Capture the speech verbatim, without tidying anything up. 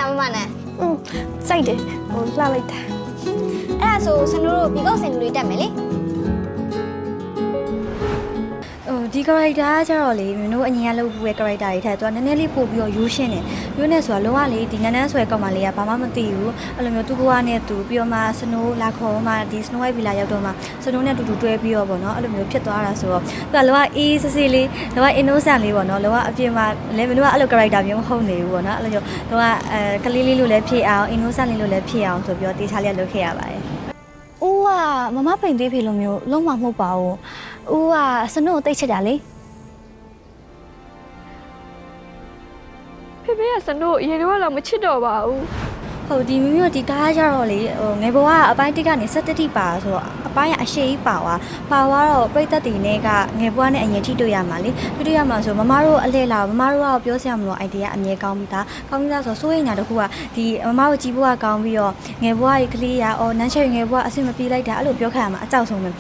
မမနဲ့อืมစိုက်တယ်ဟိုလှလိုက်တာအဲ့ဒါဆိုစနိုးတို့ဘီကောက်စင်လူတွေတက်မယ်လေဟိုဒီ character ကကြတော့လေမင်းတို့အရင်ကလုပ်ဘူးရဲ့ character တွေထက်သူကနည်းနည်းလေးပို့ပြီးတော့ရိုးရှင်းတယ်ရိုးနေဆိုတာလုံးဝလေဒီနန်းနန်းဆွဲကောက်မှလေးကဘာမှမသိဘူးအဲ့လိုမျိုးသူ့ဘဝနဲ့သူပြီးတော့မှစနိုးလာခေါ်မှဒီ Snow White Villa ရောက်တော့မှစနိုးနဲ့တူတူတွဲပြီးတော့ပေါ့နော်အဲ့လိုမျိုးဖြစ်သွားတာဆိုတော့သူကလုံးဝအေးစစ်စစ်လေးလုံးဝ innocent လေးပေါ့နော်လုံးဝအပြင်မှာလည်းမင်းတို့ကအဲ့လို character မျိုးမဟုတ်နေဘူးပေါ့နော်အဲ့လိုမျိုးလုံးဝအဲကလေးလေးလိုလည်းဖြစ်အောင် innocent လေးလိုလည်းဖြစ်အောင်ဆိုပြီးတော့တေချာလေးလုပ်ခဲ့ရပါတယ်ဦးကမမပိန်သေးဖေလိုမျိုးလုံးဝမဟုတ်ပါဘူးဦးကစနိုးကိုတိတ်ချစ်တာလေဖေဖေကစနိုးရေတော့တော့မချစ်တော့ပါဘူးဟုတ်ဒီမိမိတို့ဒီကားကြတော့လေဟိုငယ်ဘဝကအပိုင်းတစ်ကနေ၁၇တိပါဆိုတော့အပိုင်းကအရှိကြီးပါသွားပါသွားတော့ပြိသက်တီနဲ့ကငယ်ဘဝနဲ့အရင်ထိတွေ့ရမှာလေထိတွေ့ရမှာဆိုမမတို့အလှည့်လာမမတို့ကပြောစရာမလို idea အမြဲကောင်းပြီးသားကောင်းပြီးသားဆိုစိုးရိမ်တာတခုကဒီမမတို့ကြီးဘဝကောင်းပြီးတော့ငယ်ဘဝကြီးကလေးရအော်နန်းချယ်ငယ်ဘဝအဆင်မပြေလိုက်တာအဲ့လိုပြောခါရမှာအကြောက်ဆုံးပဲ